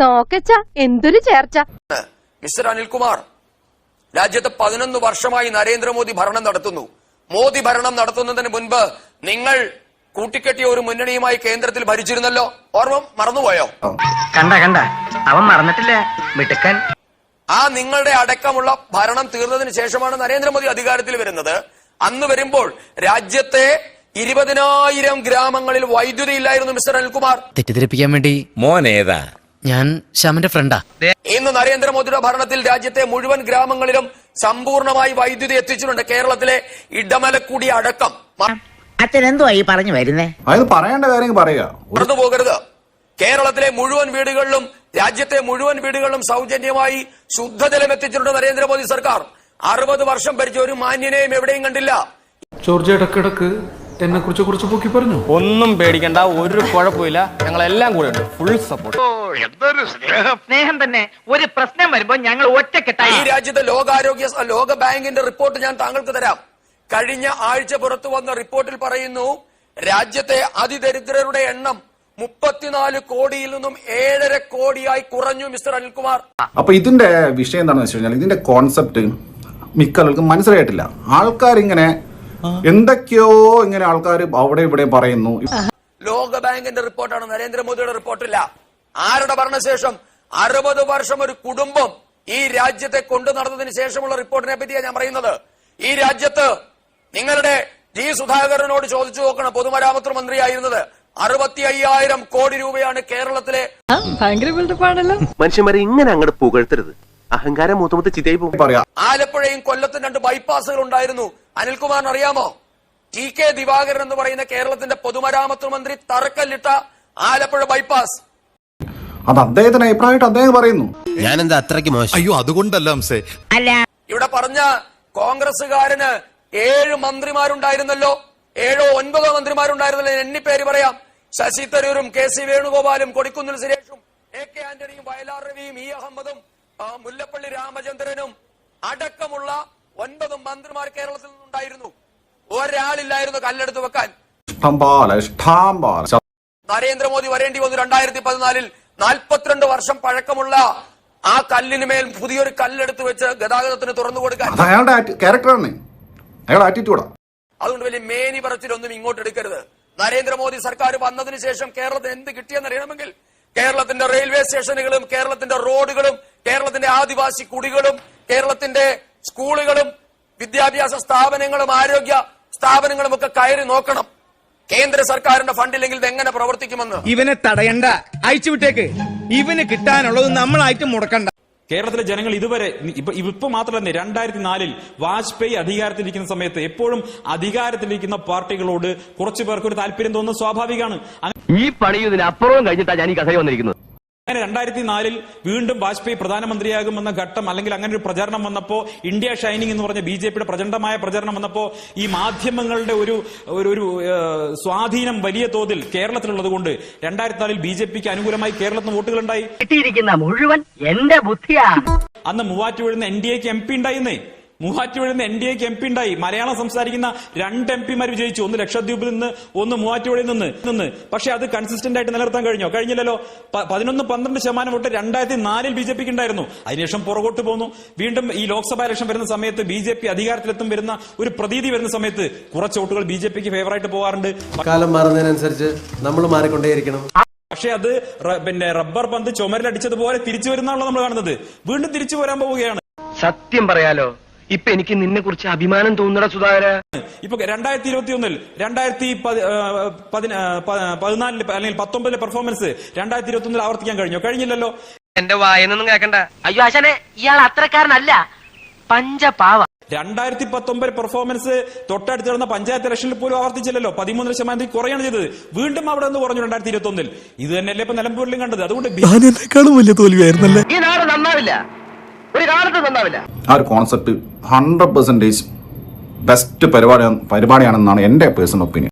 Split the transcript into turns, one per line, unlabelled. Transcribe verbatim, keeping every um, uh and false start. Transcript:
നോക്കച്ച എന്തൊരു ചേർച്ച.
മിസ്റ്റർ അനിൽകുമാർ, രാജ്യത്ത് പതിനൊന്ന് വർഷമായി നരേന്ദ്രമോദി ഭരണം നടത്തുന്നു. മോദി ഭരണം നടത്തുന്നതിന് മുൻപ് നിങ്ങൾ കൂട്ടിക്കെട്ടിയ ഒരു മുന്നണിയുമായി കേന്ദ്രത്തിൽ ഭരിച്ചിരുന്നല്ലോ, ഓർമ്മ മറന്നുപോയോ?
കണ്ട കണ്ട അവൻ മറന്നിട്ടില്ല മിടുക്കൻ.
ആ നിങ്ങളുടെ അടക്കമുള്ള ഭരണം തീർന്നതിന് ശേഷമാണ് നരേന്ദ്രമോദി അധികാരത്തിൽ വരുന്നത്. അന്ന് വരുമ്പോൾ രാജ്യത്തെ ഇരുപതിനായിരം ഗ്രാമങ്ങളിൽ വൈദ്യുതി ഇല്ലായിരുന്നു മിസ്റ്റർ അനിൽകുമാർ.
തെറ്റിദ്ധരിപ്പിക്കാൻ വേണ്ടി മോനേതാ? ഞാൻ ശ്യാമിന്റെ ഫ്രണ്ടാ.
ഇന്ന് നരേന്ദ്രമോദിയുടെ ഭരണത്തിൽ രാജ്യത്തെ മുഴുവൻ ഗ്രാമങ്ങളിലും സമ്പൂർണമായി വൈദ്യുതി എത്തിച്ചിട്ടുണ്ട്. കേരളത്തിലെ ഇടമലക്കുടി അടക്കം.
അച്ഛൻ എന്തോ ഈ പറഞ്ഞു വരുന്നേ?
അത് പറയേണ്ട കാര്യം പറയുക,
മറന്നു പോകരുത്. കേരളത്തിലെ മുഴുവൻ വീടുകളിലും രാജ്യത്തെ മുഴുവൻ വീടുകളിലും സൗജന്യമായി ശുദ്ധജലം എത്തിച്ചിട്ടുണ്ട് നരേന്ദ്രമോദി സർക്കാർ. അറുപത് വർഷം ഭരിച്ച ഒരു മാന്യനെയും എവിടെയും കണ്ടില്ല.
ജോർജ് ഇടക്കിടക്ക് എന്നെ കുറിച്ച് കുറിച്ച് പൊക്കി പറഞ്ഞു.
ഒന്നും പേടിക്കണ്ട, ഒരു കുഴപ്പമില്ല, ഞങ്ങളെല്ലാം കൂടെ ഉണ്ട്, ഫുൾ സപ്പോർട്ട്.
സ്നേഹം തന്നെ. ഒരു പ്രശ്നം വരുമ്പോ ഞങ്ങൾ ഒറ്റക്കെട്ടായി.
ഈ രാജ്യത്തെ ലോകാരോഗ്യ ലോക ബാങ്കിന്റെ റിപ്പോർട്ട് ഞാൻ താങ്കൾക്ക് തരാം. കഴിഞ്ഞ ആഴ്ച പുറത്തു വന്ന റിപ്പോർട്ടിൽ പറയുന്നു, രാജ്യത്തെ അതിദരിദ്രരുടെ എണ്ണം മുപ്പത്തിനാല് കോടിയിൽ നിന്നും ഏഴര കോടിയായി കുറഞ്ഞു മിസ്റ്റർ അനിൽകുമാർ.
അപ്പൊ ഇതിന്റെ വിഷയം എന്താണെന്ന് വെച്ച് കഴിഞ്ഞാൽ, ഇതിന്റെ കോൺസെപ്റ്റ് മിക്ക ആൾക്കും മനസ്സിലായിട്ടില്ല. ആൾക്കാർ ഇങ്ങനെ എന്തൊക്കെയോ ഇങ്ങനെ ആൾക്കാർ അവിടെ ഇവിടെ പറയുന്നു.
ലോക ബാങ്കിന്റെ റിപ്പോർട്ടാണ്, നരേന്ദ്രമോദിയുടെ റിപ്പോർട്ടില്ല. ആരുടെ ഭരണശേഷം അറുപത് വർഷം ഒരു കുടുംബം ഈ രാജ്യത്തെ കൊണ്ടു നടന്നതിന് ശേഷമുള്ള റിപ്പോർട്ടിനെ പറ്റിയാണ് ഞാൻ പറയുന്നത്. ഈ രാജ്യത്ത് നിങ്ങളുടെ ജി സുധാകരനോട് ചോദിച്ചു നോക്കണം, പൊതുമരാമത്ത് മന്ത്രിയായിരുന്നത്. അറുപത്തി അയ്യായിരം കോടി രൂപയാണ് കേരളത്തിലെ.
മനുഷ്യന്മാരെ ഇങ്ങനെ അങ്ങോട്ട് പുകഴ്ത്തരുത്, അഹങ്കാരം മൂത്തുമുത്ത് ചിതയായി പോകും.
ആലപ്പുഴയും കൊല്ലത്തും രണ്ട് ബൈപ്പാസുകൾ ഉണ്ടായിരുന്നു. അനിൽകുമാറിന് അറിയാമോ? ടി കെ ദിവാകരൻ എന്ന് പറയുന്ന കേരളത്തിന്റെ പൊതുമരാമത്ത് മന്ത്രി തറക്കല്ലിട്ട ആലപ്പുഴ ബൈപ്പാസ്.
അത് അദ്ദേഹത്തിന് അഭിപ്രായമായിട്ട് അദ്ദേഹം പറയുന്നു.
ഞാൻ എന്താ അത്രയ്ക്ക് മോശം?
അയ്യോ, അതുകൊണ്ടല്ല
അല്ല,
ഇവിടെ പറഞ്ഞ കോൺഗ്രസുകാരന് ഏഴ് മന്ത്രിമാരുണ്ടായിരുന്നല്ലോ, ഏഴോ ഒൻപതോ മന്ത്രിമാരുണ്ടായിരുന്നല്ലോ. എണ്ണി പേര് പറയാം. ശശി തരൂരും കെ സി വേണുഗോപാലും കൊടിക്കുന്നിൽ സുരേഷും എ കെ ആന്റണിയും വയലാർ രവിയും ഇ അഹമ്മദും മുല്ലപ്പള്ളി രാമചന്ദ്രനും അടക്കമുള്ള ഒൻപത് മന്ത്രിമാർ കേരളത്തിൽ നിന്നുണ്ടായിരുന്നു. ഒരാളില്ലായിരുന്നു കല്ലെടുത്ത് വെക്കാൻ. നരേന്ദ്രമോദി വരേണ്ടി വന്നു രണ്ടായിരത്തി പതിനാലിൽ. നാൽപ്പത്തിരണ്ട് വർഷം പഴക്കമുള്ള ആ കല്ലിന് മേൽ പുതിയൊരു കല്ലെടുത്ത് വെച്ച് ഗതാഗതത്തിന് തുറന്നു കൊടുക്കാൻ.
അയാളുടെ ക്യാരക്ടറാണ്, അയാളുടെ ആറ്റിറ്റ്യൂഡാ.
അതുകൊണ്ട് വലിയ മേനി പറച്ചിലൊന്നും ഇങ്ങോട്ട് എടുക്കരുത്. നരേന്ദ്രമോദി സർക്കാർ വന്നതിന് ശേഷം കേരളത്തിന് എന്ത് കിട്ടിയെന്ന് അറിയണമെങ്കിൽ കേരളത്തിന്റെ റെയിൽവേ സ്റ്റേഷനുകളും കേരളത്തിന്റെ റോഡുകളും കേരളത്തിന്റെ ആദിവാസി കുടികളും കേരളത്തിന്റെ സ്കൂളുകളും വിദ്യാഭ്യാസ സ്ഥാപനങ്ങളും ആരോഗ്യ സ്ഥാപനങ്ങളും ഒക്കെ കയറി നോക്കണം. കേന്ദ്ര സർക്കാരിന്റെ ഫണ്ടില്ലെങ്കിൽ ഇത് എങ്ങനെ പ്രവർത്തിക്കുമെന്ന്.
ഇവനെ തടയണ്ട, അയച്ചുവിട്ടേക്ക്. ഇവന് കിട്ടാനുള്ളത് നമ്മളായിട്ട് മുടക്കണ്ട.
കേരളത്തിലെ ജനങ്ങൾ ഇതുവരെ ഇപ്പൊ ഇപ്പൊ മാത്രമല്ല, രണ്ടായിരത്തി നാലിൽ വാജ്പേയി അധികാരത്തിലിരിക്കുന്ന സമയത്ത് എപ്പോഴും അധികാരത്തിലിരിക്കുന്ന പാർട്ടികളോട് കുറച്ചു പേർക്ക് ഒരു താല്പര്യം തോന്നുന്നത് സ്വാഭാവികമാണ്.
ഈ പണിയും അപ്പുറവും കഴിഞ്ഞിട്ടാണ് ഞാൻ ഈ കഥ വന്നിരിക്കുന്നത്.
അങ്ങനെ രണ്ടായിരത്തി നാലിൽ വീണ്ടും വാജ്പേയി പ്രധാനമന്ത്രിയാകുമെന്ന ഘട്ടം, അല്ലെങ്കിൽ അങ്ങനെ ഒരു പ്രചരണം വന്നപ്പോ, ഇന്ത്യ ഷൈനിങ് എന്ന് പറഞ്ഞ ബി ജെ പിയുടെ പ്രചണ്ഡമായ പ്രചരണം വന്നപ്പോ, ഈ മാധ്യമങ്ങളുടെ ഒരു ഒരു സ്വാധീനം വലിയ തോതിൽ കേരളത്തിലുള്ളത് കൊണ്ട് രണ്ടായിരത്തി നാലിൽ ബി ജെ പിക്ക് അനുകൂലമായി കേരളത്തിൽ വോട്ടുകളുണ്ടായി.
കിട്ടിയിരിക്കുന്ന മുഴുവൻ എന്റെ ബുദ്ധിയാ.
അന്ന് മൂവാറ്റുപുഴന്ന് എൻ ഡി എക്ക് എം പി ഉണ്ടായിരുന്നേ. മൂവാറ്റുപുഴന്ന് എൻ ഡി എക്ക് എം പി ഉണ്ടായി. മലയാളം സംസാരിക്കുന്ന രണ്ട് എം പിമാർ വിജയിച്ചു. ഒന്ന് ലക്ഷദ്വീപിൽ നിന്ന്, ഒന്ന് മൂവാറ്റുപുഴയിൽ നിന്ന് നിന്ന് പക്ഷെ അത് കൺസിസ്റ്റന്റ് ആയിട്ട് നിലനിർത്താൻ കഴിഞ്ഞോ? കഴിഞ്ഞില്ലല്ലോ. പതിനൊന്ന് പന്ത്രണ്ട് ശതമാനം വോട്ട് രണ്ടായിരത്തി നാലിൽ ബി ജെ പിക്ക് ഉണ്ടായിരുന്നു. അതിനുശേഷം പുറകോട്ട് പോന്നു. വീണ്ടും ഈ ലോക്സഭാ ഇലക്ഷൻ വരുന്ന സമയത്ത് ബി ജെ പി അധികാരത്തിലെത്തും വരുന്ന ഒരു പ്രതീതി വരുന്ന സമയത്ത് കുറച്ച് വോട്ടുകൾ ബി ജെ പിക്ക് ഫേവറായിട്ട് പോകാറുണ്ട്.
കാലം മാറുന്നതിനനുസരിച്ച് നമ്മൾ മാറിക്കൊണ്ടേയിരിക്കണം.
പക്ഷെ അത് പിന്നെ റബ്ബർ പന്ത് ചുമരിലടിച്ചതുപോലെ തിരിച്ചു വരുന്നാണല്ലോ നമ്മൾ കാണുന്നത്. വീണ്ടും തിരിച്ചു വരാൻ പോവുകയാണ്.
സത്യം പറയാലോ, ഇപ്പൊ എനിക്ക് നിന്നെ കുറിച്ച് അഭിമാനം തോന്നണ സുധാകര.
ഇപ്പൊ രണ്ടായിരത്തി ഇരുപത്തി ഒന്നിൽ രണ്ടായിരത്തി പതിനാലില് അല്ലെങ്കിൽ പത്തൊമ്പതിലെ പെർഫോമൻസ് രണ്ടായിരത്തി ഇരുപത്തി ഒന്നിൽ ആവർത്തിക്കാൻ കഴിഞ്ഞോ? കഴിഞ്ഞില്ലല്ലോ.
എന്റെ വായനൊന്നും കേൾക്കണ്ട.
അയ്യോ ആശാനെ, ഇയാൾ അത്രക്കാരനല്ല, പഞ്ചപാവ.
രണ്ടായിരത്തി പത്തൊമ്പത് പെർഫോമൻസ് തൊട്ടടുത്ത് നടന്ന പഞ്ചായത്ത് ഇലക്ഷനിൽ പോലും ആവർത്തിച്ചില്ലല്ലോ. പതിമൂന്നര ശതമാനത്തിൽ കുറയാണ് ചെയ്തത്. വീണ്ടും അവിടെ നിന്ന് കുറഞ്ഞു രണ്ടായിരത്തി ഇരുപത്തി ഒന്നിൽ. ഇത് തന്നെയല്ലേ ഇപ്പൊ നിലമ്പൂരിലും കണ്ടത്. അതുകൊണ്ട്
വലിയ തോൽവിയായിരുന്നല്ലേ.
ഈ നാട് നന്നാവില്ല, ഒരു കാലത്ത് നന്നാവില്ല.
ആ ഒരു കോൺസെപ്റ്റ് ഹൺഡ്രഡ് പെർസെന്റേജ് ബെസ്റ്റ് പരിപാടി പരിപാടിയാണെന്നാണ് എന്റെ പേഴ്സണൽ ഒപ്പീനിയൻ.